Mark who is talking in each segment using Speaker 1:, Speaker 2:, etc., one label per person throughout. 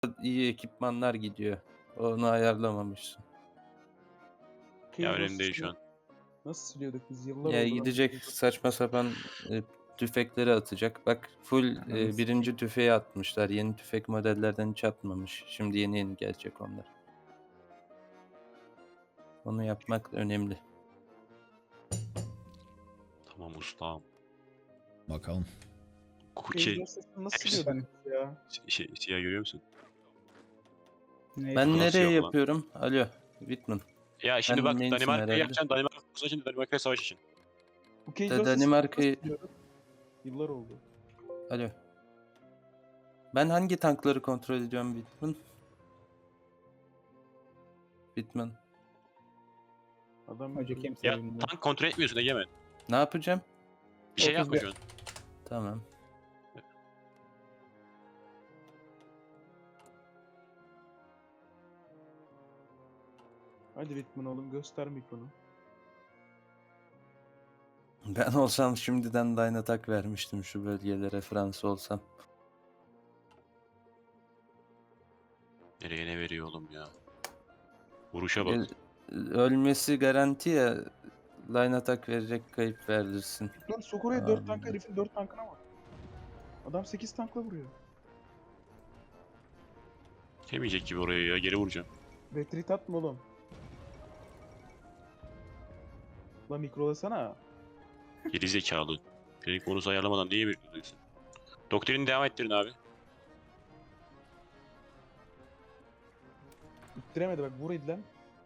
Speaker 1: iyi ekipmanlar gidiyor. Onu ayarlamamışsın.
Speaker 2: Ya
Speaker 3: Okey,
Speaker 2: önemli değil şu an.
Speaker 3: nasıl siliyorduk biz? Yıllar
Speaker 1: Ya
Speaker 3: oldu.
Speaker 1: gidecek saçma sapan tüfekleri atacak. Bak full
Speaker 4: Ananı
Speaker 1: birinci tüfeği atmışlar. Yeni tüfek modellerden hiç atmamış. Şimdi yeni gelecek onlar. Onu yapmak önemli.
Speaker 2: Tamam ustam.
Speaker 5: Bakalım.
Speaker 2: Cookie.
Speaker 3: Nasıl
Speaker 2: Hepsi-
Speaker 3: siliyorduk biz ya?
Speaker 2: Siyah görüyor musun?
Speaker 4: Ne?
Speaker 1: Ben
Speaker 2: Nasıl
Speaker 1: nereye
Speaker 2: yok lan?
Speaker 1: yapıyorum? Alo, Whitman.
Speaker 2: Ya şimdi
Speaker 1: Sen
Speaker 2: bak
Speaker 1: neysin
Speaker 2: Danimarka'yı
Speaker 1: herhalde?
Speaker 2: yapacaksın. Danimarka kursu için Danimarka'ya savaş için.
Speaker 3: Okey,
Speaker 1: Danimarka'yı...
Speaker 3: Yıllar oldu.
Speaker 1: Alo. Ben hangi tankları kontrol ediyorum Whitman? Whitman.
Speaker 3: Adam
Speaker 4: Hoca kimse
Speaker 2: Ya
Speaker 4: bilmiyor.
Speaker 2: tank kontrol etmiyorsun Egemen.
Speaker 1: Ne yapacağım?
Speaker 2: Bir şey yapma
Speaker 4: 31.
Speaker 2: şu an.
Speaker 1: Tamam.
Speaker 3: Hadi Whitman oğlum, göster mikronu.
Speaker 1: Ben olsam şimdiden Line Attack vermiştim şu bölgelere, Fransa olsam.
Speaker 2: Nereye ne veriyor oğlum ya? Vuruşa bak.
Speaker 1: Ölmesi garanti ya. Line Attack verecek, kayıp verdirsin.
Speaker 3: Lan sok oraya 4
Speaker 1: Abi.
Speaker 3: tank, herifin 4 tankına bak. Adam 8 tankla vuruyor.
Speaker 2: Yemeyecek gibi oraya ya. Geri vuracağım.
Speaker 3: Retreat atma oğlum. Lan mikrolasana.
Speaker 2: Geri zekalı. Benim konusu ayarlamadan niye bekliyorsun? Doktrini devam ettirin abi.
Speaker 3: İttiremedi bak, vur lan.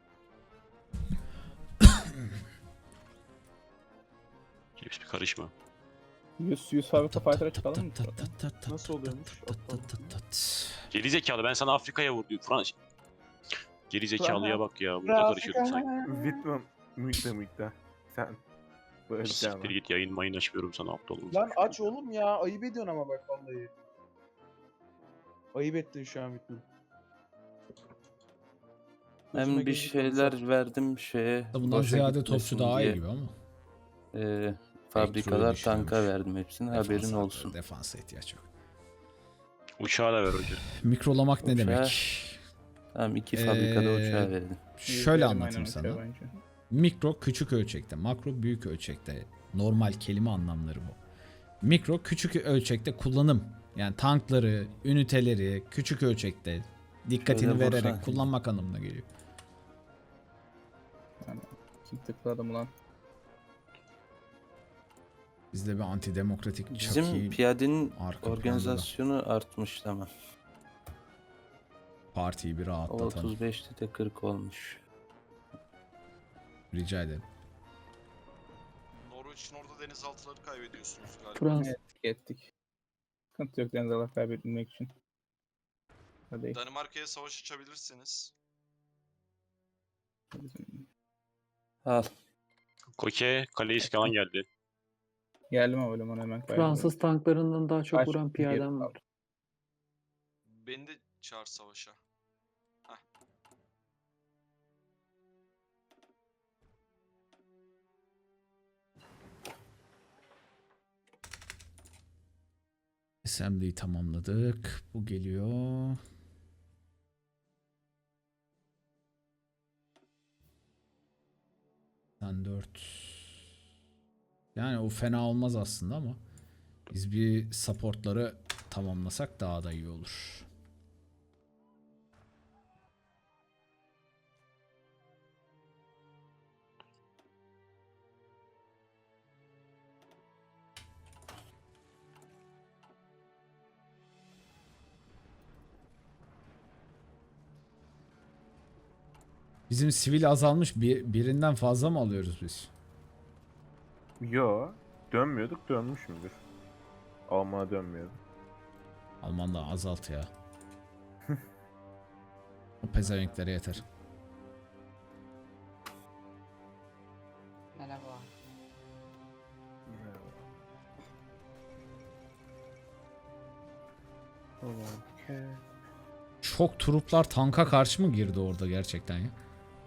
Speaker 2: Hepsi bir karışma.
Speaker 4: 100 fabrika fighter'a çıkalım mı?
Speaker 3: Nasıl oluyormuş?
Speaker 2: Geri zekalı ben sana Afrika'ya vur diyor. Fransız. Geri zekalıya bak ya. Burada karışıyorduk sanki.
Speaker 6: Whitman mıydı? Sen böyle bir şey
Speaker 2: Siktir git yayın mayın açmıyorum sana aptal olmuş.
Speaker 3: Lan aç oğlum ya, ayıp ediyorsun ama bak vallahi. Ayıp ettin şu an Whitman. Gözüme
Speaker 1: Hem bir
Speaker 3: girdi
Speaker 1: şeyler
Speaker 3: konuşan.
Speaker 1: verdim şeye.
Speaker 5: Bundan
Speaker 1: boşa
Speaker 5: ziyade
Speaker 1: gitmesin
Speaker 5: topçu daha
Speaker 1: diye.
Speaker 5: iyi gibi ama.
Speaker 1: Fabrikalar
Speaker 5: düşünüyormuş.
Speaker 1: tanka verdim hepsini, haberin
Speaker 5: Defansa-
Speaker 1: olsun.
Speaker 5: Defansa ihtiyaç yok.
Speaker 2: Uçağı da ver hoca.
Speaker 5: Mikrolamak ne
Speaker 1: Uçağı-
Speaker 5: demek?
Speaker 1: Tamam, 2 fabrikada
Speaker 5: Ee,
Speaker 1: uçağı verdim.
Speaker 5: Şöyle
Speaker 4: Aynen
Speaker 5: anlatayım
Speaker 4: uçağı
Speaker 5: sana.
Speaker 4: bence.
Speaker 5: Mikro küçük ölçekte, makro büyük ölçekte. Normal kelime anlamları bu. Mikro küçük ölçekte kullanım. Yani tankları, üniteleri küçük ölçekte dikkatini
Speaker 1: Şöyle
Speaker 5: vererek
Speaker 1: vursana.
Speaker 5: kullanmak anlamına geliyor.
Speaker 4: Kim tıkladım ulan?
Speaker 5: Bizde bir antidemokratik
Speaker 1: Bizim
Speaker 5: çaki
Speaker 1: piyadenin
Speaker 5: arka planda da
Speaker 1: organizasyonu artmış, tamam.
Speaker 5: partiyi bir
Speaker 1: O
Speaker 5: rahatlatalım.
Speaker 1: 35'te de 40 olmuş.
Speaker 5: Rica ederim.
Speaker 7: Norveç'in orada denizaltıları kaybediyorsunuz galiba.
Speaker 4: Fransız ettik. Sıkıntı yok denizaltı kaybetmek için. Hadi.
Speaker 7: Danimarka'ya savaş açabilirsiniz.
Speaker 1: Al.
Speaker 2: Koke, kaleyi falan geldi.
Speaker 4: Geldim ama hemen kaybediyorum.
Speaker 8: Fransız tanklarından daha çok
Speaker 4: Kaç
Speaker 8: vuran
Speaker 4: geri
Speaker 8: piyadem var.
Speaker 7: Beni de çağır savaşa.
Speaker 5: Assembly'yi tamamladık. Bu geliyor. Sen 4. Yani o fena olmaz aslında ama biz bir supportları tamamlasak daha da iyi olur. Bizim sivil azalmış. Birinden fazla mı alıyoruz biz?
Speaker 6: Yo. Dönmüyorduk, dönmüşümdür. Almanya dönmüyordu.
Speaker 5: Alman da azalt ya. O pezevenklere yeter.
Speaker 9: Merhaba.
Speaker 5: Çok truplar tanka karşı mı girdi orada gerçekten ya?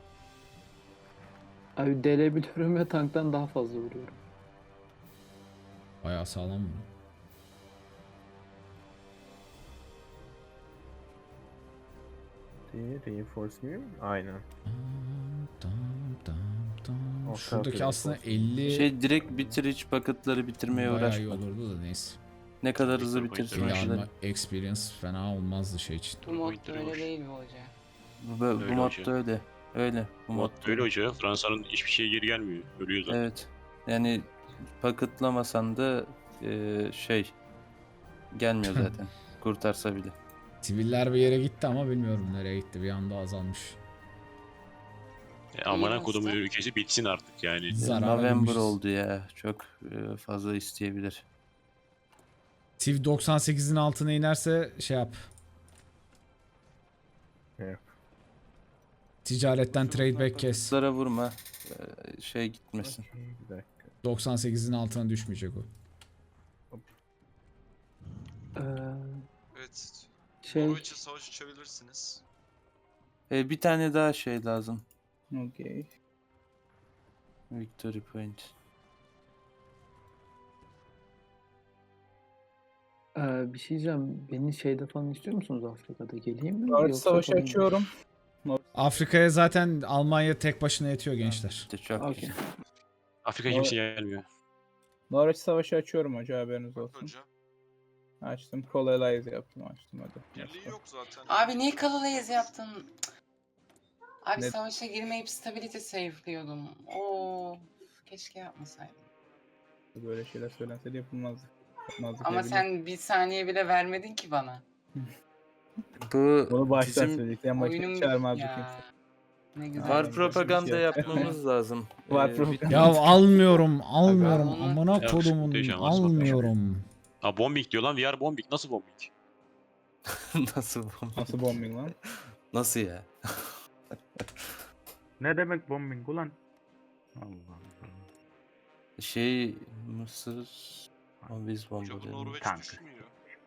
Speaker 8: Abi delebiliyorum ve tanktan daha fazla vuruyorum.
Speaker 5: Bayağı sağlam mı?
Speaker 6: Reinforce mi? Aynen. O
Speaker 5: Şuradaki
Speaker 6: tarafta
Speaker 5: aslında
Speaker 6: reinforce.
Speaker 5: 50
Speaker 1: Şey direkt bitir, hiç bucket'ları bitirmeye
Speaker 5: bayağı iyi
Speaker 1: uğraşma.
Speaker 5: olurdu da neyse.
Speaker 1: Ne kadar hızlı
Speaker 2: Victor
Speaker 1: bitirsin
Speaker 2: Pointer
Speaker 1: o
Speaker 5: Kili
Speaker 2: var.
Speaker 1: kadar.
Speaker 5: alma experience fena olmazdı şey için.
Speaker 9: Bu mod
Speaker 2: Pointer'ı
Speaker 9: öyle
Speaker 2: var.
Speaker 9: değil mi hoca?
Speaker 1: Bu
Speaker 2: Öyle
Speaker 1: modda
Speaker 2: hoca.
Speaker 1: öyle. Öyle. Bu
Speaker 2: Mod
Speaker 1: modda
Speaker 2: öyle hoca. Fransa'nın hiçbir şeye geri gelmiyor. Ölüyor zaten.
Speaker 1: Evet. Yani paketlamasan da şey gelmiyor zaten. Kurtarsa bile.
Speaker 5: Siviller bir yere gitti ama bilmiyorum nereye gitti. Bir anda azalmış.
Speaker 2: Amına
Speaker 9: İyi
Speaker 2: kodumun
Speaker 9: aslında.
Speaker 2: ülkesi bitsin artık yani.
Speaker 5: Zarara
Speaker 1: November
Speaker 5: girmişiz.
Speaker 1: oldu ya. Çok fazla isteyebilir.
Speaker 5: Civ 98'in altına inerse şey yap.
Speaker 6: Evet.
Speaker 5: Ticaretten trade back kes.
Speaker 1: Paketlara vurma. Şey gitmesin.
Speaker 6: Bir dakika.
Speaker 5: 98'in altına düşmeyecek o.
Speaker 8: Ee,
Speaker 7: Evet.
Speaker 8: şey
Speaker 7: Norveç'e savaş açabilirsiniz.
Speaker 1: Bir tane daha şey lazım.
Speaker 4: Okey.
Speaker 1: Victory point.
Speaker 8: bir şey diyeceğim. Beni şeyde falan istiyor musunuz Afrika'da? Geleyim mi?
Speaker 4: Norveç
Speaker 8: Yoksa
Speaker 4: savaşı
Speaker 8: falan-
Speaker 4: açıyorum.
Speaker 5: Afrika'ya zaten Almanya tek başına yetiyor gençler.
Speaker 1: İşte çok
Speaker 8: Okey.
Speaker 1: güzel.
Speaker 2: Afrika kimse gelmiyor.
Speaker 4: Norveç savaşı açıyorum hoca, haberiniz
Speaker 7: Bak
Speaker 4: olsun.
Speaker 7: hoca.
Speaker 4: Açtım. Colonize yaptım, açtım hadi.
Speaker 7: Birliği yok zaten.
Speaker 9: Abi niye Kalalayız yaptın? Cık. Abi
Speaker 4: Ne-
Speaker 9: savaşa girmeyip stability save'liyordum. Oo, keşke yapmasaydım.
Speaker 4: Böyle şeyler söylenseydi yapılmazdı. Yapmazdık
Speaker 9: Ama
Speaker 4: ne bileyim.
Speaker 9: sen bir saniye bile vermedin ki bana.
Speaker 1: Bu
Speaker 4: Bunu baştan
Speaker 1: bizim
Speaker 4: söyledik. En başta
Speaker 9: Oyunum
Speaker 4: çağırmazdık
Speaker 9: ya.
Speaker 4: kimse.
Speaker 9: Ne güzel.
Speaker 1: var
Speaker 4: Aynen,
Speaker 1: propaganda
Speaker 4: şey yap.
Speaker 1: yapmamız lazım.
Speaker 4: Var
Speaker 1: Bir-
Speaker 4: propaganda.
Speaker 5: Ya almıyorum, almıyorum.
Speaker 9: Onu-
Speaker 5: Amına
Speaker 2: Ya,
Speaker 5: kodumun
Speaker 2: muhteşem, varsa
Speaker 5: almıyorum.
Speaker 2: Ha bombing diyor lan. VR bombing. Nasıl bombing?
Speaker 1: Nasıl bu?
Speaker 4: Nasıl bombing lan?
Speaker 1: Nasıl ya?
Speaker 6: Ne demek bombing ulan? Allah Allah.
Speaker 1: Şey Mısır biz
Speaker 7: Hoca bu
Speaker 1: bomba
Speaker 7: Norveç
Speaker 6: Tank.
Speaker 7: düşmüyor.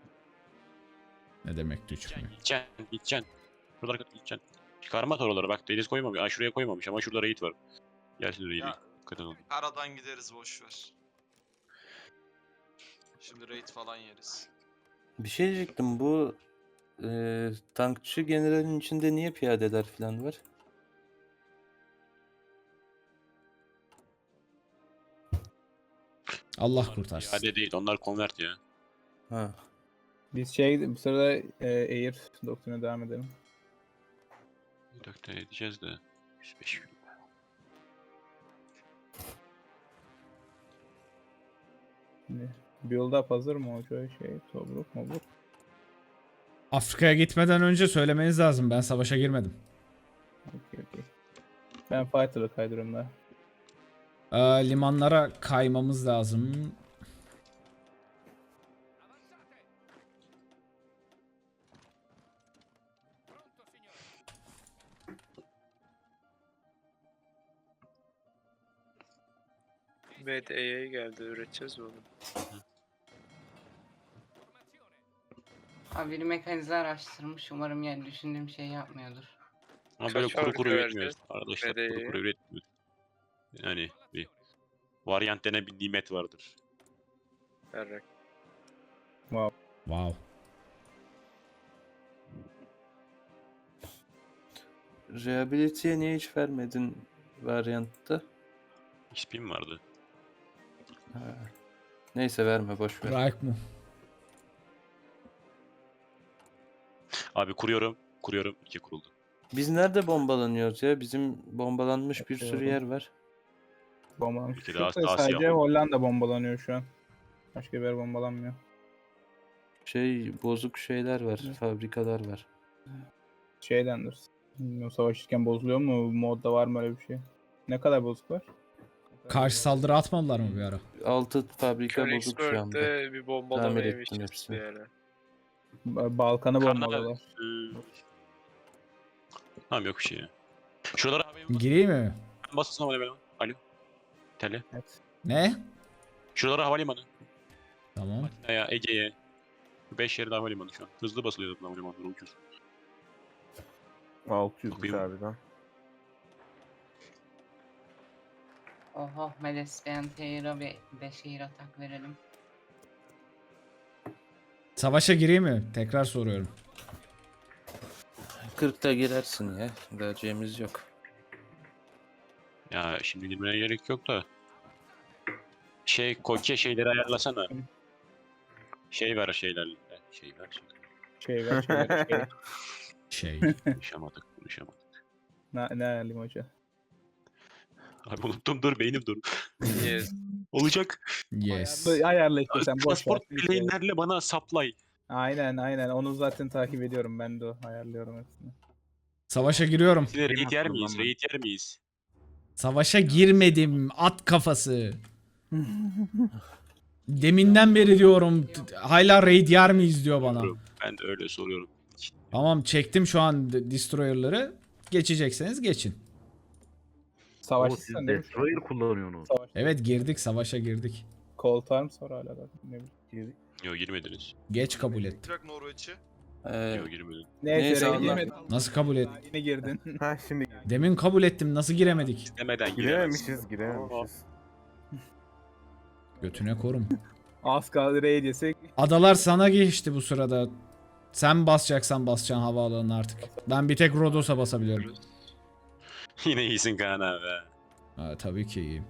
Speaker 5: Ne demek düşmüyor?
Speaker 2: Gideceksin. Şuralara kadar gideceksin. Çıkarma oraları bak deniz koymamış. Aa şuraya koymamış ama şurada raid var. Gelsin raid'i.
Speaker 7: Ya.
Speaker 2: Dikkat edin.
Speaker 7: Karadan gideriz boşver. Şimdi raid falan yeriz.
Speaker 1: Bir şey diyecektim, bu tankçı generalin içinde niye piyadeler falan var?
Speaker 5: Allah kurtarsın.
Speaker 2: Hadi değil onlar convert ya.
Speaker 1: Ha.
Speaker 4: Biz bu sırada Air doktrine devam edelim.
Speaker 2: Bir dakika edeceğiz de. 105 gün.
Speaker 4: Şimdi build up hazır mı hoca? Tobruk mobruk.
Speaker 5: Afrika'ya gitmeden önce söylemeniz lazım. Ben savaşa girmedim.
Speaker 4: Okey. Ben fighter'ı kaydırıyorum da.
Speaker 5: Limanlara kaymamız lazım.
Speaker 10: BDE'ye geldi, üreteceğiz mi onu?
Speaker 9: Abi biri mekanize araştırmış. Umarım yani düşündüğüm şeyi yapmıyordur.
Speaker 2: Ama
Speaker 10: Kaç
Speaker 2: böyle kuru
Speaker 10: fabrika
Speaker 2: kuru
Speaker 10: verdi?
Speaker 2: üretmiyoruz. Arkadaşlar kuru
Speaker 10: BD'ye?
Speaker 2: kuru üretmiyoruz. Yani bir varyant denen bir nimet vardır.
Speaker 10: Berrak.
Speaker 5: Wow.
Speaker 1: Rehabilite'ye niye hiç vermedin varyantta?
Speaker 2: XP'm vardı.
Speaker 1: Ha. Neyse verme, boş ver.
Speaker 5: Bırak mı?
Speaker 2: Abi kuruyorum. Kuruyorum. 2 kuruldu.
Speaker 1: Biz nerede bombalanıyoruz ya? Bizim bombalanmış bir sürü yer var.
Speaker 4: Bombalanmış.
Speaker 2: Peki,
Speaker 4: Şu
Speaker 2: daha
Speaker 4: sadece
Speaker 2: siyah oldu.
Speaker 4: Hollanda bombalanıyor şu an. Başka bir yer bombalanmıyor.
Speaker 1: Şey bozuk şeyler var, fabrikalar var.
Speaker 4: Şeydendir. Bilmiyorum, savaşırken bozuluyor mu? Modda var mı öyle bir şey? Ne kadar bozuk var?
Speaker 5: Karşı saldırı atmadılar mı bir ara?
Speaker 1: 6 fabrika bozuk şu anda.
Speaker 10: Königsberg'de bir bombalama
Speaker 1: Tamir ettim
Speaker 10: yemişiz
Speaker 1: hepsini.
Speaker 10: bir ara.
Speaker 4: Balkan'ı
Speaker 2: Karnına-
Speaker 4: bombalıyorlar.
Speaker 2: Tamam yok bir şey ya. Şuralara havaya
Speaker 5: Gireyim mi?
Speaker 2: basılsın havalimanı. Alo. Tele.
Speaker 4: Evet.
Speaker 5: Ne?
Speaker 2: Şuralara havalimanı.
Speaker 5: Tamam.
Speaker 2: Atina'ya, Ege'ye. 5 yerde havalimanı şu an. Hızlı basılıyor zaten havalimanları ucuz.
Speaker 6: 600
Speaker 2: Bakayım.
Speaker 6: harbiden.
Speaker 9: Oho, Meles BNT'ye bir 5 air atak verelim.
Speaker 5: Savaşa gireyim mi? Tekrar soruyorum.
Speaker 1: 40'ta girersin ya. Vereceğimiz yok.
Speaker 2: Ya şimdi girmeye gerek yok da. Koke şeyleri ayarlasana. Şey ver şeylerle. Şey ver.
Speaker 4: Şey ver şey ver şey.
Speaker 5: Şey.
Speaker 2: Konuşamadık.
Speaker 4: Ne ayarlayayım hoca?
Speaker 2: Abi unuttum, dur beynim dur.
Speaker 10: Yes.
Speaker 2: Olacak.
Speaker 5: Yes.
Speaker 4: Ayarla işte sen boş ver.
Speaker 2: Transport plane'lerle bana supply.
Speaker 4: Aynen onu zaten takip ediyorum ben de ayarlıyorum hepsini.
Speaker 5: Savaşa giriyorum.
Speaker 2: Size raid yer miyiz? Raid yer miyiz?
Speaker 5: Savaşa girmedim. At kafası. Deminden beri diyorum. Hala raid yer miyiz diyor bana.
Speaker 2: Ben de öyle soruyorum.
Speaker 5: Tamam çektim şu an destroyer'ları. Geçecekseniz geçin.
Speaker 4: Savaş
Speaker 6: O siz
Speaker 4: sen de
Speaker 6: Destroyer kullanıyorsunuz.
Speaker 4: savaş.
Speaker 5: Evet girdik savaşa girdik.
Speaker 4: Cold Arms var hala da. Ne bileyim.
Speaker 2: Yok girmediniz.
Speaker 5: Geç kabul ettim.
Speaker 7: Bırak Norveç'i.
Speaker 2: Yok girmedin.
Speaker 4: Neyse
Speaker 1: Neyse,
Speaker 4: raid
Speaker 1: Allah-
Speaker 4: yemedim.
Speaker 5: Nasıl kabul et?
Speaker 4: Yine girdin.
Speaker 6: Ha şimdi
Speaker 5: Demin kabul ettim. Nasıl giremedik?
Speaker 2: Demeden giremezsin.
Speaker 6: girememişiz.
Speaker 5: Götüne korum.
Speaker 4: Az kaldı raid yesek.
Speaker 5: Adalar sana geçti bu sırada. Sen basacaksan basacaksın havaalanına artık. Ben bir tek Rodos'a basabiliyorum.
Speaker 2: Yine iyisin Kaan abi.
Speaker 5: Ha, tabii ki iyiyim.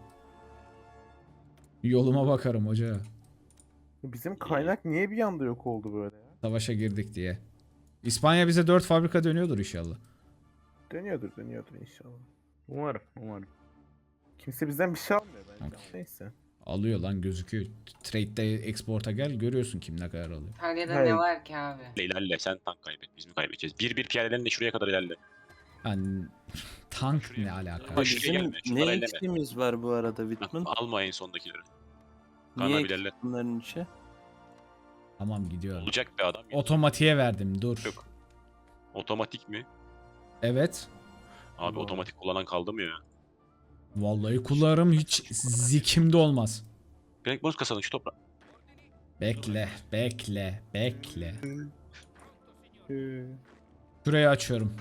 Speaker 5: Yoluma bakarım hoca.
Speaker 6: Bizim kaynak niye bir anda yok oldu böyle ya?
Speaker 5: Savaşa girdik diye. İspanya bize 4 fabrika dönüyordur inşallah.
Speaker 6: Dönüyordur inşallah. Umarım. Kimse bizden bir şey almıyor bence.
Speaker 5: Okey.
Speaker 6: Neyse.
Speaker 5: Alıyor lan gözüküyor. Trade'de export'a gel görüyorsun kim ne kadar alıyor.
Speaker 9: İtalya'da
Speaker 6: Hayır.
Speaker 9: ne var ki abi?
Speaker 2: İlerle sen tank kaybet. Biz mi kaybedeceğiz? Bir piyadelerle şuraya kadar ilerle.
Speaker 5: Yani tank ne alaka?
Speaker 2: Bak, şuraya
Speaker 1: Bizim
Speaker 2: gelme, şunları
Speaker 1: ne
Speaker 2: elleme.
Speaker 1: eksiğimiz var bu arada Whitman?
Speaker 2: Alma en sondakileri. Kaan
Speaker 1: Niye
Speaker 2: abi
Speaker 1: eksik
Speaker 2: ilerle.
Speaker 1: bunların içi?
Speaker 5: Tamam gidiyorum.
Speaker 2: Olacak be adam.
Speaker 5: Otomatiğe verdim dur.
Speaker 2: Yok. Otomatik mi?
Speaker 5: Evet.
Speaker 2: Abi otomatik kullanan kaldı mı ya?
Speaker 5: Vallahi kullanırım hiç zikimde olmaz.
Speaker 2: Direkt boz kasanın şu toprağı.
Speaker 5: Bekle.
Speaker 4: Ee,
Speaker 5: Şurayı açıyorum.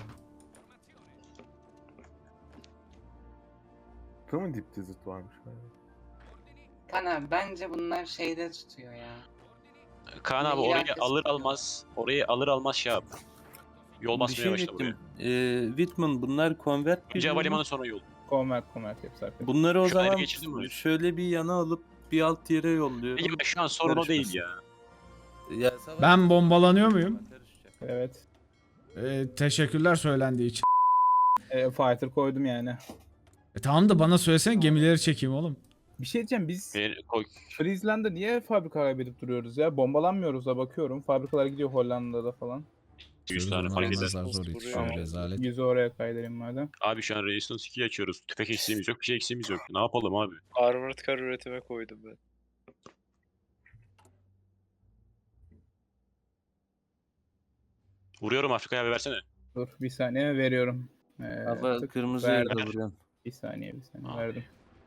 Speaker 6: Değil mi dip dizit varmış?
Speaker 9: Kan abi bence bunlar şeyde tutuyor ya.
Speaker 2: Kaan abi
Speaker 9: İyi
Speaker 2: orayı
Speaker 9: herkes
Speaker 2: alır
Speaker 9: biliyor.
Speaker 2: almaz. Orayı alır almaz şey yap. Yol
Speaker 1: Bir
Speaker 2: basmaya
Speaker 1: şey
Speaker 2: başla buraya.
Speaker 1: diyecektim. Whitman bunlar convert
Speaker 2: Önce
Speaker 1: gibi mi?
Speaker 2: havalimanı sonra yol.
Speaker 4: Convert hepsi arkadaşlar.
Speaker 1: Bunları o
Speaker 2: Şu ayrı
Speaker 1: zaman
Speaker 2: geçildin mi?
Speaker 1: şöyle bir yana alıp bir alt yere yolluyorum.
Speaker 2: Peki şu an sorun o değil
Speaker 1: Karışmasın.
Speaker 2: ya.
Speaker 1: Ya savaş-
Speaker 5: Ben bombalanıyor muyum?
Speaker 1: Karışacak.
Speaker 4: Evet.
Speaker 5: Teşekkürler söylendiği için.
Speaker 4: Fighter koydum yani.
Speaker 5: Tamam da bana söylesene gemileri çekeyim oğlum.
Speaker 4: Bir şey diyeceğim biz
Speaker 2: Koy.
Speaker 4: Friesland'da niye fabrika kaybedip duruyoruz ya? Bombalanmıyoruz da bakıyorum. Fabrikalar gidiyor Hollanda'da falan.
Speaker 2: 100 tane fark eder.
Speaker 5: Almanlar zor yetişiyor
Speaker 4: Tamam.
Speaker 5: rezalet.
Speaker 4: Yüzü oraya kaydırayım madem.
Speaker 2: Abi şu an Resistance 2 açıyoruz. Tüfek eksiğimiz yok, bir şey eksiğimiz yok. Ne yapalım abi?
Speaker 10: Armored car üretime koydum ben.
Speaker 2: Vuruyorum Afrika'ya bir versene.
Speaker 4: Dur bir saniye veriyorum.
Speaker 1: Hava
Speaker 4: tık,
Speaker 1: kırmızıya
Speaker 4: verdim.
Speaker 1: da vuruyorum.
Speaker 4: Bir saniye
Speaker 2: Abi.
Speaker 4: verdim.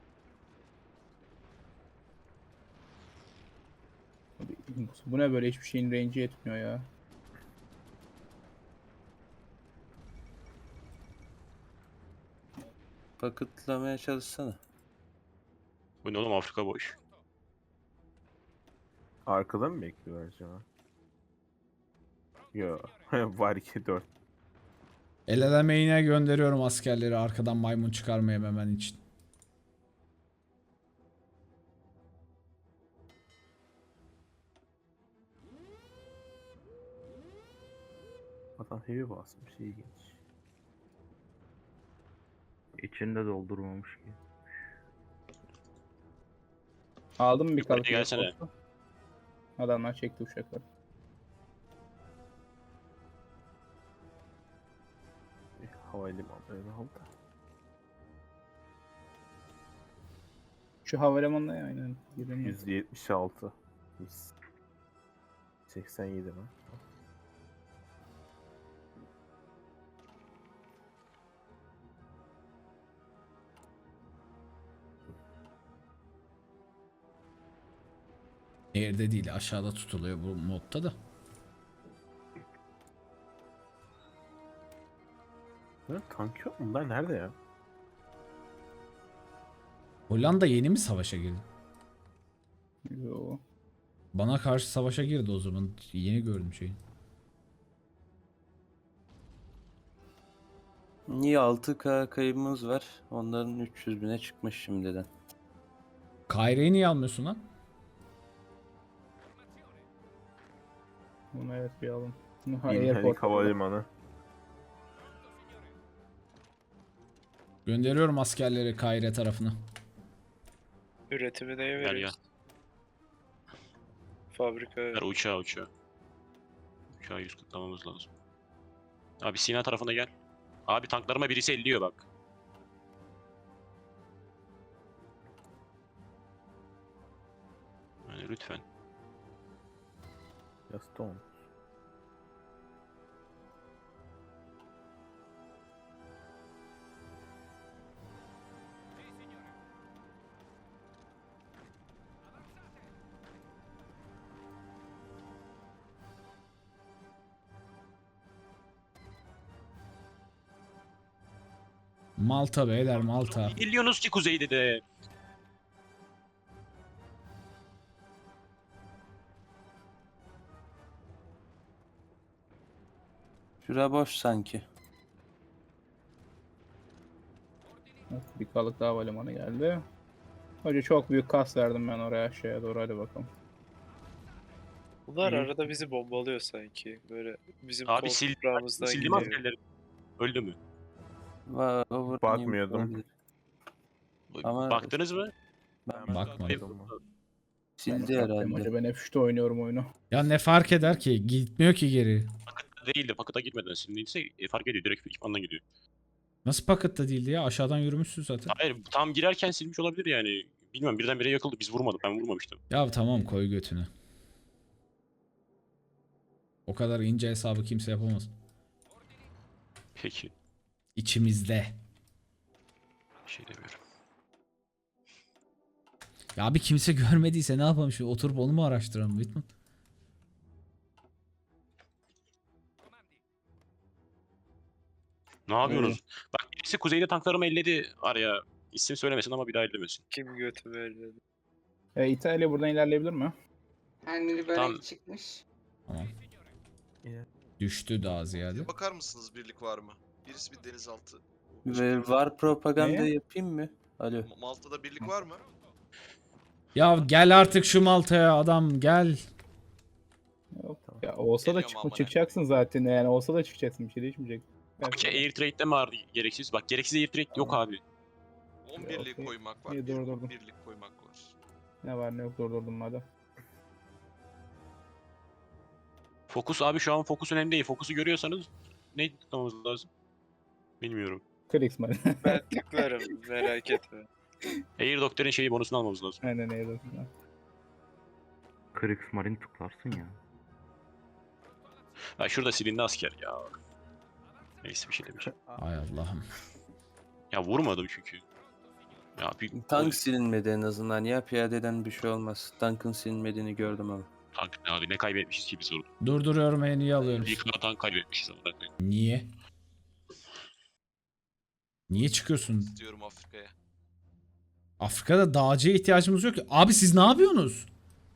Speaker 4: Bu ne böyle hiçbir şeyin range'i yetmiyor ya.
Speaker 1: Paketlamaya çalışsana.
Speaker 2: Bu ne oğlum, Afrika boş.
Speaker 6: Arkada mı bekliyor acaba? Yo. Var 2-4.
Speaker 5: El elemeğine gönderiyorum askerleri arkadan maymun çıkarmaya hemen için.
Speaker 6: Adam heavy basmış, ilginç.
Speaker 3: İçinde doldurmamış ki.
Speaker 4: Aldım mı bir
Speaker 2: Yukarıya
Speaker 4: kalıp?
Speaker 2: gelsene.
Speaker 4: Adamlar çekti uşakları.
Speaker 6: Havalimanlarını al da.
Speaker 4: Şu havalimanına ya aynen. Giremiyor.
Speaker 6: 176. 87 mi?
Speaker 5: Yerde değil aşağıda tutuluyor bu modda da.
Speaker 6: Tank yok mu? Bunlar nerede ya?
Speaker 5: Hollanda yeni mi savaşa girdi?
Speaker 4: Yo.
Speaker 5: Bana karşı savaşa girdi o zaman. Yeni gördüm şeyi.
Speaker 1: Niye 6K kaybımız var? Onların 300 bine çıkmış şimdiden.
Speaker 5: Kaire'yi niye almıyorsun lan?
Speaker 4: Bunu evet bir alın. Ha,
Speaker 6: İlhenik
Speaker 4: airport.
Speaker 6: Havalimanı.
Speaker 5: Gönderiyorum askerleri Kaire tarafına.
Speaker 10: Üretimi neye
Speaker 2: Gel gel.
Speaker 10: veriyoruz? Fabrika.
Speaker 2: Ver uçağı. Uçağı 140'lamamız lazım. Abi Sina tarafına gel. Abi tanklarıma birisi elliyor bak. Yani lütfen.
Speaker 6: Gaston.
Speaker 5: Malta beyler Malta.
Speaker 2: Geliyorsunuz ki kuzeyde de.
Speaker 1: Şura boş sanki.
Speaker 4: Bir kalık daha havalimanı geldi. Hoca çok büyük kas verdim ben oraya aşağıya doğru, hadi bakalım.
Speaker 10: Bunlar
Speaker 2: İyi.
Speaker 10: arada bizi bombalıyor sanki. Böyle bizim
Speaker 2: Abi
Speaker 10: koltuklarımızdan
Speaker 2: sildim
Speaker 10: gidiyor.
Speaker 2: askerleri. Öldü mü?
Speaker 1: Overrunning
Speaker 6: Bakmıyordum.
Speaker 1: olabilir. Ama-
Speaker 2: Baktınız mı?
Speaker 1: Ben
Speaker 5: Bakmadım.
Speaker 1: sildi
Speaker 4: Ben baktım
Speaker 1: herhalde.
Speaker 4: hoca, ben F3'te oynuyorum oyunu.
Speaker 5: Ya ne fark eder ki? Gitmiyor ki geri.
Speaker 2: Pakıta değildi. Pakıta gitmeden sildiyse fark ediyor. Direkt ekipmandan gidiyor.
Speaker 5: Nasıl pakette değildi ya? Aşağıdan yürümüşsün zaten.
Speaker 2: Hayır tam girerken silmiş olabilir yani. Bilmiyorum birdenbire yakıldı. Biz vurmadık. Ben vurmamıştım.
Speaker 5: Ya tamam koy götünü. O kadar ince hesabı kimse yapamaz.
Speaker 2: Peki.
Speaker 5: İçimizde.
Speaker 2: Bir şey demiyorum.
Speaker 5: Ya abi kimse görmediyse ne yapalım şu oturup onu mu araştıralım Whitman?
Speaker 2: Ne yapıyorsunuz? Bak birisi kuzeyde tanklarımı elledi araya. İsim söylemesin ama bir daha ellemesin.
Speaker 10: Kim götümü elledi?
Speaker 4: İtalya buradan ilerleyebilir mi?
Speaker 9: Kendini böyle
Speaker 2: Tam-
Speaker 9: çıkmış.
Speaker 5: Tamam. Düştü daha ziyade.
Speaker 7: Bakar mısınız birlik var mı? Birisi bir denizaltı.
Speaker 1: Ve var propaganda
Speaker 4: Ne?
Speaker 1: yapayım mı? Alo.
Speaker 7: Malta'da birlik var mı?
Speaker 5: Ya gel artık şu Malta'ya adam gel.
Speaker 4: Yok. Ya olsa da
Speaker 7: Geliyorum amına.
Speaker 4: çıkacaksın zaten, yani olsa da çıkacaksın, bir şey değişmeyecek.
Speaker 2: Okey air trade'de mi vardı gereksiz? Bak gereksiz air trade yok abi.
Speaker 7: 10
Speaker 4: Ya,
Speaker 7: birlik
Speaker 4: okey.
Speaker 7: koymak var.
Speaker 4: İyi,
Speaker 7: bir
Speaker 4: durdurdum.
Speaker 7: birlik koymak var.
Speaker 4: Ne var ne yok durdurdum madem.
Speaker 2: Fokus abi şu an fokus önemli değil. Fokusu görüyorsanız ne tutmamız lazım? Bilmiyorum.
Speaker 4: Kriegsmarine.
Speaker 10: Ben tıklarım merak etme.
Speaker 2: Air Doctor'ın şeyi bonusunu almamız lazım.
Speaker 4: Aynen öyle.
Speaker 6: Kriegsmarine tıklarsın ya.
Speaker 2: Ha şurada silindi asker ya. Neyse bir şey demeyeceğim.
Speaker 5: Ay Allah'ım.
Speaker 2: Ya vurmadım çünkü. Ya bir
Speaker 1: Tank silinmedi en azından ya, piyadeden bir şey olmaz. Tankın silinmediğini gördüm ama.
Speaker 2: tank ne abi ne kaybetmişiz ki biz orada.
Speaker 5: Durduruyorum en iyi alıyorum.
Speaker 2: Bir kadar tank kaybetmişiz ama.
Speaker 5: Niye? Niye çıkıyorsun?
Speaker 7: İstiyorum Afrika'ya.
Speaker 5: Afrika'da dağcıya ihtiyacımız yok ki. Abi siz ne yapıyorsunuz?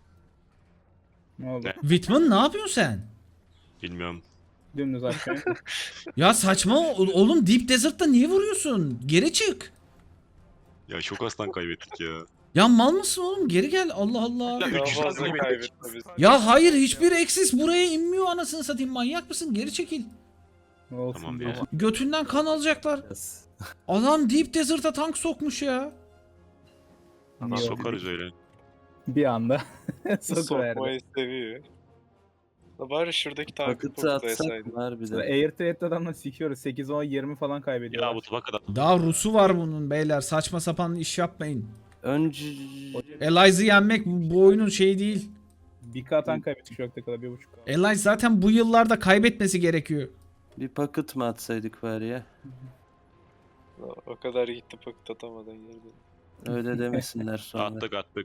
Speaker 4: Ne oldu?
Speaker 2: Ne?
Speaker 5: Whitman ne yapıyorsun sen?
Speaker 2: Bilmiyorum.
Speaker 4: Dümdüz aşağıya.
Speaker 5: Ya saçma oğlum Deep Desert'ta niye vuruyorsun? Geri çık.
Speaker 2: Ya çok az tank kaybettik ya.
Speaker 5: Ya mal mısın oğlum? Geri gel. Allah Allah.
Speaker 2: Ya
Speaker 10: Daha
Speaker 2: 300 tank
Speaker 10: fazla
Speaker 2: kaybettik.
Speaker 10: kaybetme biz.
Speaker 5: Ya hayır hiçbir eksis buraya inmiyor anasını satayım. Manyak mısın? Geri çekil.
Speaker 4: Ne olsun
Speaker 2: Tamam
Speaker 4: diye.
Speaker 2: ya.
Speaker 5: Götünden kan alacaklar. Adam Deep Desert'a tank sokmuş ya.
Speaker 4: Niye oldu?
Speaker 2: Sokarız öyle.
Speaker 4: Bir anda sokuverdi.
Speaker 10: Sokmayı seviyor. La bari şuradaki tankı
Speaker 1: Pakıtı atsak
Speaker 10: toplayasaydın.
Speaker 1: mı harbiden?
Speaker 4: Air trade'de adamla sikiyoruz. 8, 10, 20 falan
Speaker 2: Ya
Speaker 4: kaybediyorlar.
Speaker 2: bu tabakada.
Speaker 5: Daha Rus'u var bunun beyler. Saçma sapan iş yapmayın.
Speaker 1: Önce
Speaker 5: Elize'ı yenmek bu oyunun şeyi değil.
Speaker 4: Bir K tank kaybettik şu vakte kadar, 1.5K.
Speaker 5: Elize zaten bu yıllarda kaybetmesi gerekiyor.
Speaker 1: bir paket mı atsaydık var ya?
Speaker 10: O kadar gitti paket atamadan geldi.
Speaker 1: Öyle demesinler sonra.
Speaker 2: Attık.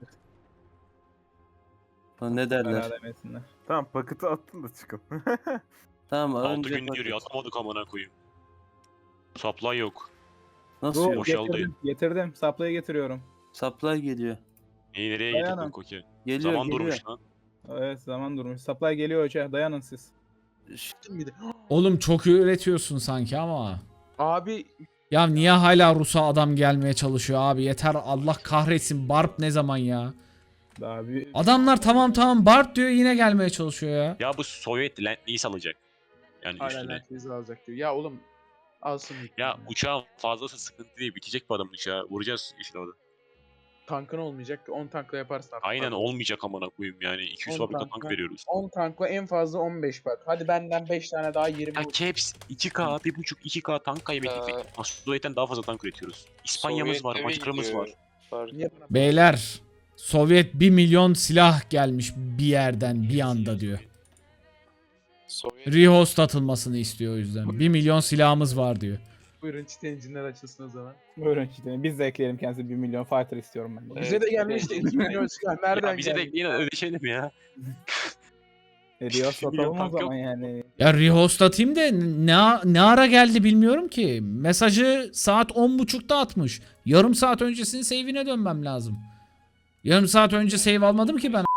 Speaker 1: Ne derler?
Speaker 4: Hala demesinler.
Speaker 6: Tamam paketi attın da çıkın.
Speaker 1: Tamam
Speaker 2: 6
Speaker 1: önce
Speaker 2: gün yürüyor
Speaker 1: paket.
Speaker 2: atamadık amına koyayım. Supply yok.
Speaker 1: Nasıl
Speaker 4: Dur,
Speaker 1: yok?
Speaker 2: boşaldı.
Speaker 4: getirdim. Supply'ı getiriyorum.
Speaker 1: Supply geliyor.
Speaker 2: İyi nereye
Speaker 4: Dayanın.
Speaker 2: getirdin Koki?
Speaker 1: Geliyor
Speaker 2: Zaman
Speaker 1: geliyor.
Speaker 2: durmuş lan.
Speaker 4: Evet, zaman durmuş. Supply geliyor hoca. Dayanın siz.
Speaker 5: Oğlum çok üretiyorsun sanki ama.
Speaker 3: Abi
Speaker 5: Ya niye hala Rus'a adam gelmeye çalışıyor abi? Yeter, Allah kahretsin. Barb ne zaman ya?
Speaker 4: Daha bir
Speaker 5: Adamlar tamam Barb diyor, yine gelmeye çalışıyor ya.
Speaker 2: Ya bu Sovyet Land-Lease alacak. Yani
Speaker 3: hala
Speaker 2: üstüne.
Speaker 3: Lentviz alacak diyor. Ya oğlum alsın.
Speaker 2: Ya uçağın fazlası sıkıntı değil. Bitecek bu adamın uçağı. Vuracağız işte orada.
Speaker 3: Tankın olmayacak ki 10 tankla yaparsın artık.
Speaker 2: Aynen
Speaker 3: Abi.
Speaker 2: olmayacak amına koyayım yani. 200
Speaker 3: 10
Speaker 2: fabrika tank
Speaker 3: tankla-
Speaker 2: veriyoruz.
Speaker 3: 10 tankla en fazla 15 bak. Hadi benden 5 tane daha 20.
Speaker 2: Ya Caps 2K, 1.5-2K tank kaybettik. Sovyet'ten daha fazla tank üretiyoruz. İspanya'mız var,
Speaker 10: Sovyet'te mi
Speaker 2: Macar'ımız
Speaker 10: gidiyor?
Speaker 2: var.
Speaker 10: Fark.
Speaker 3: Niye bana-
Speaker 5: Beyler, Sovyet 1 milyon silah gelmiş bir yerden bir anda diyor.
Speaker 10: Sovyet
Speaker 5: Rehost atılmasını istiyor o yüzden. 1 milyon silahımız var diyor.
Speaker 3: Buyurun çit engine'ler açılsın o zaman.
Speaker 4: buyurun işte. Biz de ekleyelim kendisi 1 milyon fighter istiyorum ben de.
Speaker 3: Bize de gelmişti 2 milyon silah. Nereden
Speaker 2: Ya bize de
Speaker 3: geldi?
Speaker 2: yine ödeşelim ya.
Speaker 4: Hediye satalım o
Speaker 2: tank yok.
Speaker 4: zaman yani.
Speaker 5: Ya rehost atayım da ne ara geldi bilmiyorum ki. Mesajı saat 10.30'da atmış. Yarım saat öncesinin save'ine dönmem lazım. Yarım saat önce save almadım ki ben.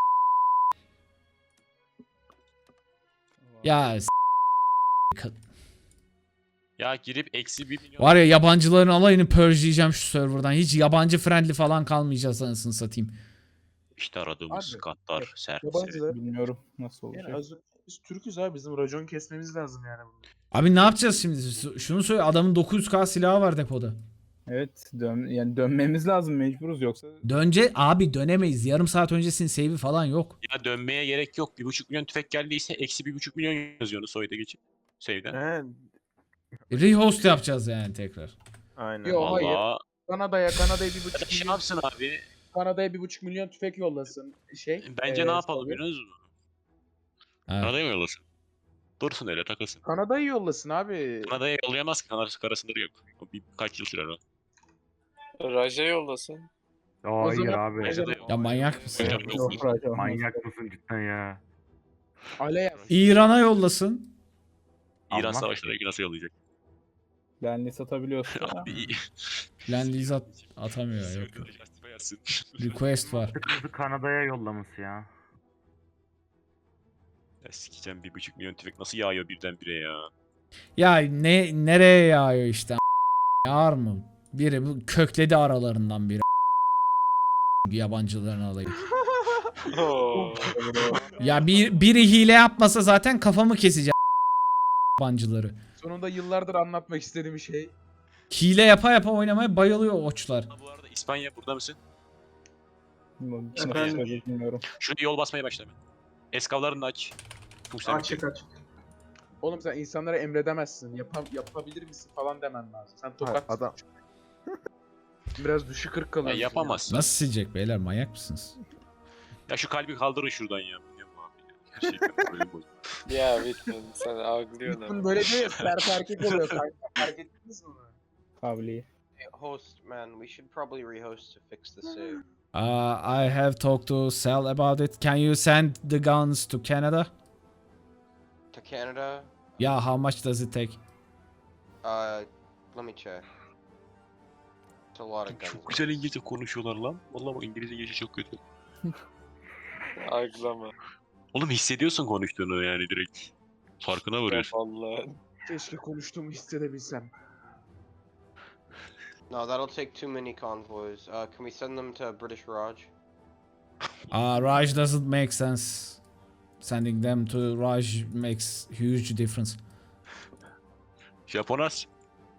Speaker 5: Ya
Speaker 2: Ya girip eksi 1 milyon.
Speaker 5: var ya, yabancıların alayını purge'leyeceğim şu serverdan. Hiç yabancı friendly falan kalmayacağız anasını satayım.
Speaker 2: İşte aradığımız
Speaker 3: Abi,
Speaker 2: katlar, servis.
Speaker 3: Yabancılar.
Speaker 4: Bilmiyorum nasıl olacak.
Speaker 3: Yani biz Türk'üz abi. Bizim racon kesmemiz lazım yani.
Speaker 5: Abi ne yapacağız şimdi? Şunu söyle, adamın 900k silahı var depoda.
Speaker 4: Evet yani dönmemiz lazım, mecburuz yoksa.
Speaker 5: Abi dönemeyiz. Yarım saat öncesinin save'i falan yok.
Speaker 2: Ya dönmeye gerek yok. 1.5 milyon tüfek geldiyse eksi 1.5 milyon yazıyorsunuz Sovyet'e geçip. Save'den.
Speaker 6: He,
Speaker 5: Rehost yapacağız yani tekrar.
Speaker 6: aynen.
Speaker 3: Yok hayır.
Speaker 2: Valla.
Speaker 3: Kanada'ya 1,5
Speaker 2: Şey
Speaker 3: milyon.
Speaker 2: yapsın abi.
Speaker 3: Kanada'ya 1,5 milyon tüfek yollasın.
Speaker 2: Bence ne yapalım
Speaker 3: Sovyet.
Speaker 2: biliyor musun?
Speaker 5: Evet.
Speaker 2: Kanada'ya mı yollasın? Dursun öyle takılsın.
Speaker 3: Kanada'yı yollasın abi.
Speaker 2: Kanada'ya yollayamaz ki. Kanada sınırı yok. O birkaç yıl sürer o.
Speaker 10: Raja yollasın.
Speaker 3: O
Speaker 11: Hayır
Speaker 3: zaman-
Speaker 11: abi.
Speaker 2: Kanada yok.
Speaker 5: Ya manyak mısın?
Speaker 2: Hocam yok.
Speaker 4: Yok, Raja olmaz.
Speaker 11: Manyak mısın cidden ya?
Speaker 3: Aleyh.
Speaker 5: İran'a yollasın.
Speaker 2: İran
Speaker 11: Almaz
Speaker 2: savaşlarına nasıl yollayacak?
Speaker 4: Benli satabiliyorsun.
Speaker 2: Abi.
Speaker 5: Land atamıyor, yok. Request var.
Speaker 11: Kızı Kanada'ya yollaması ya.
Speaker 2: Ya sikeceğim 1.5 milyon tüfek nasıl yağıyor birdenbire ya?
Speaker 5: Ya nereye yağıyor işte? Yağar mı? Biri bu kökledi aralarından biri. Yabancıların alayı.
Speaker 10: Oo.
Speaker 5: Ya biri hile yapmasa zaten kafamı keseceğim yabancıları.
Speaker 3: Sonunda yıllardır anlatmak istediğim şey.
Speaker 5: Hile yapa oynamaya bayılıyor oçlar.
Speaker 2: Ha, bu arada İspanya burada mısın?
Speaker 4: Nasıl
Speaker 2: Efendim?
Speaker 4: söyleyeyim bilmiyorum.
Speaker 2: Şunu yol basmaya başla hemen. Eskavlarını da aç.
Speaker 3: Açık. Oğlum sen insanlara emredemezsin. Yapabilir misin falan demen lazım. Sen tokat.
Speaker 6: Adam
Speaker 3: Biraz düşük ırk
Speaker 2: Ya
Speaker 3: kalıyorsun.
Speaker 2: yapamazsın.
Speaker 5: Nasıl silecek beyler, manyak mısınız?
Speaker 2: Ya şu kalbi kaldırın şuradan ya. Bilmiyorum abi. Gerçekten böyle bozuldu.
Speaker 10: Ya Bitman sen ağlıyorsun
Speaker 3: Bitman
Speaker 10: ama.
Speaker 3: böyle değil ya. Sert erkek oluyor kanka. Fark ettiniz mi bunu?
Speaker 4: Kavliyi.
Speaker 7: Host man, we should probably rehost to fix the save.
Speaker 5: I have talked to Sal about it. Can you send the guns to Canada?
Speaker 7: To Canada?
Speaker 5: Yeah, how much does it take?
Speaker 7: Let me check. It's a lot of guns.
Speaker 2: Çok güzel İngilizce konuşuyorlar lan. Vallahi bak İngilizce geçişi çok kötü.
Speaker 10: Ağlama.
Speaker 2: Oğlum hissediyorsun konuştuğunu yani direkt. Farkına varıyorsun.
Speaker 10: Vallahi.
Speaker 3: Keşke konuştuğumu hissedebilsem.
Speaker 7: No, that'll take too many convoys. Can we send them to British Raj?
Speaker 5: Raj doesn't make sense. Sending them to Raj makes huge difference.
Speaker 2: Japon as.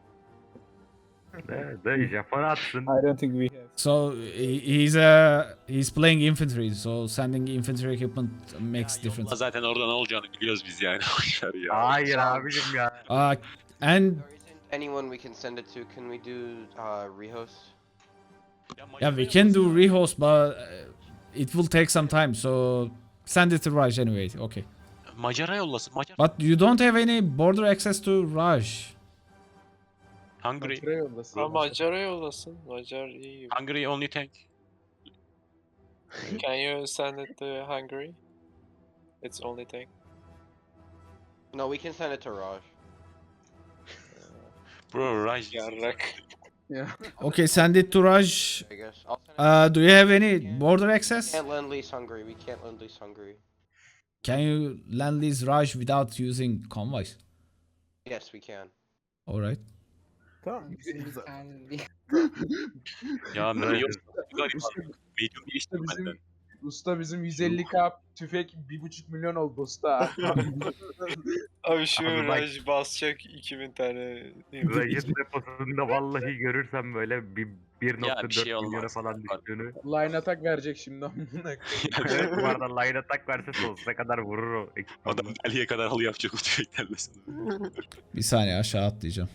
Speaker 11: De Japon atsın.
Speaker 4: I don't think we have.
Speaker 5: So he's playing infantry, so sending infantry equipment makes difference.
Speaker 2: Yolla zaten orada ne olacağını biliyoruz biz yani. Boşver ya.
Speaker 11: Hayır abicim ya.
Speaker 5: And
Speaker 7: There isn't anyone we can send it to. Can we do rehost?
Speaker 5: yeah, we can do rehost, but it will take some time. So send it to Raj anyway. Okay.
Speaker 2: Macar'a yollasın. Macar.
Speaker 5: But you don't have any border access to Raj.
Speaker 2: Hungary.
Speaker 3: Maçlara yollasın.
Speaker 10: Ha Macar'a yollasın. Macar iyi.
Speaker 2: Hungary only tank.
Speaker 10: Can you send it to Hungary? It's only tank.
Speaker 7: No, we can send it to Raj.
Speaker 2: Bro, Raj.
Speaker 10: Yarrak.
Speaker 3: Ya.
Speaker 5: Okay, send it to Raj.
Speaker 7: I guess. I'll send it.
Speaker 5: Do you have any border access?
Speaker 7: We can't lend lease Hungary. We can't lend lease Hungary.
Speaker 5: Can you land lease Raj without using convoys?
Speaker 7: Yes, we can.
Speaker 5: All right.
Speaker 6: Tamam.
Speaker 2: Ya Medium galiba.
Speaker 3: Usta,
Speaker 2: Medium bir istiyor
Speaker 3: bizim
Speaker 2: benden.
Speaker 3: usta bizim 150k tüfek 1,5 milyon oldu usta.
Speaker 10: Abi şu
Speaker 11: Abi bak-
Speaker 10: Raj basacak 2000 tane.
Speaker 11: Raj'ın deposunda vallahi görürsem böyle bir
Speaker 2: Ya bir şey
Speaker 11: 1.4 milyona
Speaker 2: olmaz.
Speaker 11: falan düştüğünü.
Speaker 3: Line attack verecek şimdi amına koyayım.
Speaker 11: Evet bu arada line attack verse sonsuza kadar vurur o ekipmanla.
Speaker 2: Adam deliye kadar halı yapacak o tüfeklerle sana.
Speaker 5: Bir saniye aşağı atlayacağım.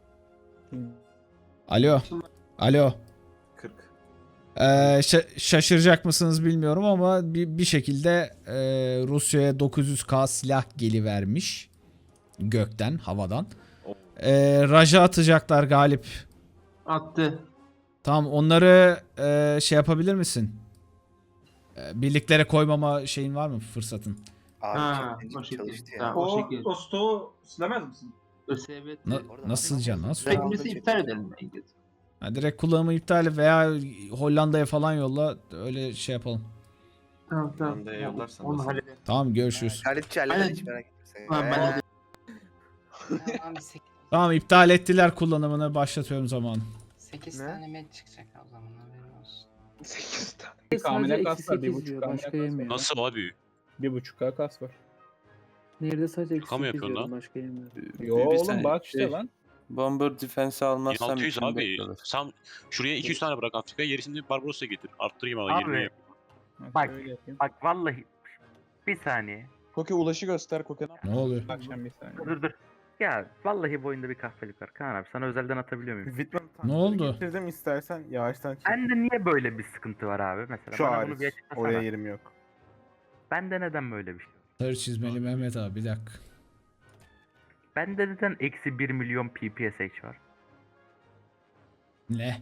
Speaker 5: Alo. Alo.
Speaker 6: 40.
Speaker 5: Şaşıracak mısınız bilmiyorum ama bir şekilde Rusya'ya 900k silah gelivermiş. Gökten, havadan. Raja atacaklar Galip.
Speaker 8: Attı.
Speaker 5: Tamam onları şey yapabilir misin? Birliklere koymama şeyin var mı fırsatın?
Speaker 8: Ha, o şekilde. O şekilde.
Speaker 3: stoğu silemez misin?
Speaker 8: ÖSYM.
Speaker 5: Nasıl can? Nasıl?
Speaker 8: Teknesi iptal edelim.
Speaker 5: Ha, direkt kullanımı iptal et veya Hollanda'ya falan yolla öyle şey yapalım.
Speaker 8: Tamam tamam.
Speaker 6: Hollanda'ya yollarsan
Speaker 8: Onu
Speaker 6: nasıl?
Speaker 8: halledelim.
Speaker 5: Tamam görüşürüz.
Speaker 6: Halit
Speaker 8: Aynen.
Speaker 6: hiç merak etme sen.
Speaker 8: Tamam, ben halledeyim.
Speaker 9: Tamam 8,
Speaker 5: Tamam iptal ettiler kullanımını başlatıyorum zamanı.
Speaker 9: 8
Speaker 6: Ne?
Speaker 9: tane med çıkacak o zaman haberin olsun.
Speaker 3: 8 tane.
Speaker 4: Bir kamile
Speaker 8: Sadece
Speaker 4: kas
Speaker 8: eksi
Speaker 4: var.
Speaker 8: 8
Speaker 4: 1.5
Speaker 8: diyor.
Speaker 4: kamile
Speaker 8: Başka
Speaker 4: kas var.
Speaker 8: yemiyor.
Speaker 2: Nasıl abi?
Speaker 4: 1.5k kas var.
Speaker 8: Nerede sadece eksi
Speaker 2: Şaka mı
Speaker 8: 8
Speaker 2: yapıyorsun
Speaker 8: diyorum.
Speaker 2: lan?
Speaker 8: Başka yemiyor.
Speaker 4: Yo
Speaker 1: Bir
Speaker 4: oğlum
Speaker 1: saniye,
Speaker 4: bak işte
Speaker 1: şey,
Speaker 4: lan.
Speaker 1: Bomber Defense'i almazsam
Speaker 2: 1600
Speaker 1: içimde
Speaker 2: abi.
Speaker 1: kalır.
Speaker 2: Sen şuraya 200 tane bırak Afrika'ya gerisini Barbaros'a getir. Arttırayım ama
Speaker 11: Abi.
Speaker 2: 20'ye yap.
Speaker 11: Bak.
Speaker 4: Öyle yapayım.
Speaker 11: Bak vallahi bir saniye.
Speaker 3: Koke ulaşı göster Koke.
Speaker 5: Ne oluyor?
Speaker 4: Akşam bir saniye.
Speaker 11: Dur. Ya vallahi bu oyunda bir kahpelik var. Kaan abi sana özelden atabiliyor muyum?
Speaker 6: Whitman
Speaker 5: Ne oldu?
Speaker 6: getirdim istersen yavaştan çek.
Speaker 11: Bende niye böyle bir sıkıntı var abi mesela?
Speaker 6: Şu
Speaker 11: Bana
Speaker 6: hariç.
Speaker 11: bunu bir açıklasana.
Speaker 6: Oraya yerim yok.
Speaker 11: Bende neden böyle bir şey?
Speaker 5: Sarı çizmeli Mehmet abi bir dakika.
Speaker 11: Bende neden eksi 1 milyon PPSH var?
Speaker 5: Ne?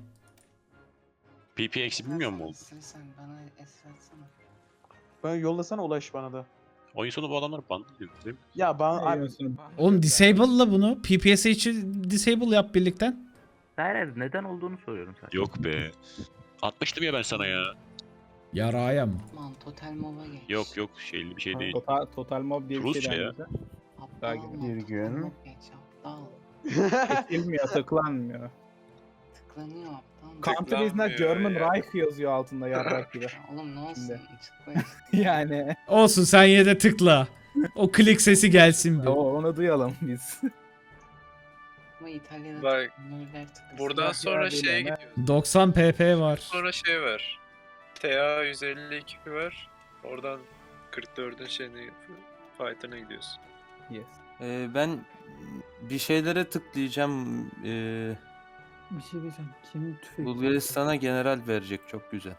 Speaker 2: PP eksi bilmiyor mu oldu?
Speaker 9: Sen bana es atsana.
Speaker 3: Ben yollasana ulaş bana da.
Speaker 2: Oyun sonu bu adamlar bandı diyor değil mi?
Speaker 3: Ya bana abi,
Speaker 4: Yayıyorsun.
Speaker 5: Oğlum disable'la bunu. PPSH'i disable yap birlikten.
Speaker 11: Hayır neden olduğunu soruyorum sadece.
Speaker 2: Yok be. Atmıştım ya ben sana ya.
Speaker 5: Yaraya mı?
Speaker 9: Lan total mova geç.
Speaker 2: Yok şeyli bir şey değil.
Speaker 4: Total mob diye bir
Speaker 2: Rusça
Speaker 4: şey
Speaker 2: ya.
Speaker 4: denmedi.
Speaker 9: Aptal
Speaker 4: Daha
Speaker 9: olma,
Speaker 6: bir
Speaker 9: total
Speaker 6: gün.
Speaker 9: mova geç aptal.
Speaker 4: Çekilmiyor, tıklanmıyor.
Speaker 9: Tıklanıyor aptal.
Speaker 4: Country is not German Reich yazıyor altında yarrak gibi.
Speaker 9: Ya oğlum ne olsun
Speaker 4: Şimdi.
Speaker 9: tıkla işte.
Speaker 4: Yani
Speaker 5: Olsun sen yine de tıkla. O klik sesi gelsin bir.
Speaker 4: onu duyalım biz.
Speaker 9: Ama İtalya'da
Speaker 10: Bak,
Speaker 9: nöller tıklasın.
Speaker 10: Buradan
Speaker 4: Bak
Speaker 10: sonra
Speaker 4: ya,
Speaker 10: şeye
Speaker 4: bilmem,
Speaker 10: gidiyoruz.
Speaker 5: 90 pp var.
Speaker 10: Sonra şey var. TA 152 var. Oradan 44'ün şeyini fight'ına gidiyorsun.
Speaker 4: Yes.
Speaker 1: Ben bir şeylere tıklayacağım.
Speaker 8: Bir şey diyeceğim. Kim tüfek?
Speaker 1: Bulgaristan'a general verecek, çok güzel.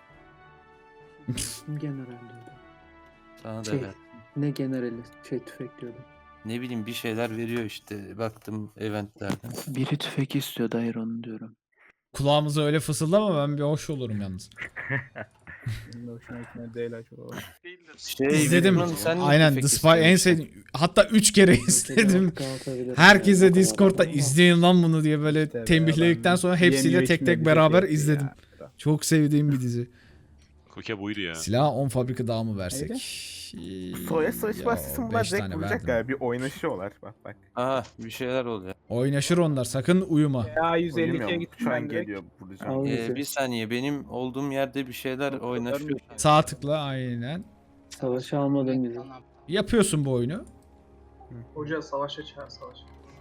Speaker 8: Kim general diyordu?
Speaker 1: Sana da
Speaker 8: Şey,
Speaker 1: ver.
Speaker 8: ne generali? Tüfek diyordu.
Speaker 1: Ne bileyim bir şeyler veriyor işte. Baktım eventlerden.
Speaker 8: Biri tüfek istiyordu. Hayır onu diyorum.
Speaker 5: Kulağımıza öyle fısıldama ben bir hoş olurum yalnız.
Speaker 4: Benim de hoşuma gitmedi değil acaba.
Speaker 5: İzledim.
Speaker 1: Wilman, sen ne
Speaker 5: Aynen
Speaker 1: tüfek
Speaker 5: The Spy en
Speaker 1: istemiştin?
Speaker 5: sevdiğim. Hatta 3 kere izledim. Herkese Discord'da izleyin lan bunu diye böyle
Speaker 4: İşte be,
Speaker 5: tembihledikten
Speaker 4: adam
Speaker 5: sonra hepsiyle
Speaker 4: yemiyor,
Speaker 5: tek
Speaker 4: içmiyor,
Speaker 5: tek
Speaker 4: bir şey
Speaker 5: beraber
Speaker 4: yapıyor
Speaker 5: izledim.
Speaker 4: ya.
Speaker 5: Çok sevdiğim bir dizi.
Speaker 2: Koke buydu ya.
Speaker 5: Silah 10 fabrika daha mı versek?
Speaker 6: Soya savaşı
Speaker 5: Ya,
Speaker 6: başlasın bunlar
Speaker 5: 5
Speaker 6: direkt
Speaker 5: tane
Speaker 6: vuracak
Speaker 5: verdim.
Speaker 6: galiba. Bir oynaşıyorlar. Bak.
Speaker 1: Aha bir şeyler oluyor.
Speaker 5: Oynaşır onlar sakın uyuma.
Speaker 4: Ya 152'ye
Speaker 6: Oynamıyorum.
Speaker 4: gittim
Speaker 6: Şu an
Speaker 4: ben direkt.
Speaker 6: geliyor vuracağım.
Speaker 8: Al bizi.
Speaker 1: Bir saniye, benim olduğum yerde bir şeyler oynaşıyor.
Speaker 5: Sağ tıkla aynen.
Speaker 8: Savaşı almadın bizi.
Speaker 9: Lan aptal.
Speaker 5: Yapıyorsun bu oyunu.
Speaker 3: Hoca savaşa çağır savaş.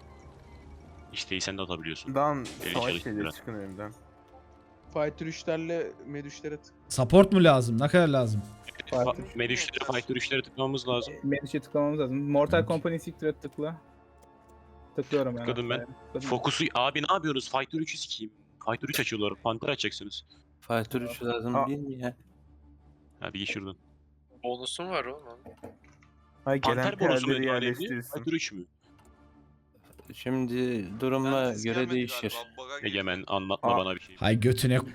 Speaker 2: İşteyi sen de atabiliyorsun.
Speaker 6: Dan
Speaker 2: Deli
Speaker 6: savaş
Speaker 2: çalıştı
Speaker 6: şeyleri
Speaker 2: biraz.
Speaker 6: çıkın önümden.
Speaker 3: Fighter 3'lerle med 3'lere tık.
Speaker 5: Support mu lazım? Ne kadar lazım?
Speaker 2: Fighter 3'lere tıklamamız lazım.
Speaker 4: Menüşe tıklamamız lazım. Mortal Company Secret tıkla. Tıklıyorum ben.
Speaker 2: Tıkladım ben.
Speaker 4: hatta. Tıkladım.
Speaker 2: Fokusu abi ne yapıyorsunuz? Fighter 3'ü sikeyim. Fighter 3 açıyorlar. Panther açacaksınız.
Speaker 1: Fighter 3 lazım
Speaker 6: Aa.
Speaker 1: değil mi ya?
Speaker 2: Hadi geç şuradan.
Speaker 10: Bonusun var oğlum.
Speaker 6: Hayır gelen
Speaker 2: Panter bonusu mu
Speaker 6: piyadeleri
Speaker 2: önemli?
Speaker 6: yerleştirirsin.
Speaker 2: Fighter 3 mü?
Speaker 1: Şimdi duruma göre değişir.
Speaker 2: Egemen anlatma
Speaker 6: Aa.
Speaker 2: bana bir şey.
Speaker 5: Hay götüne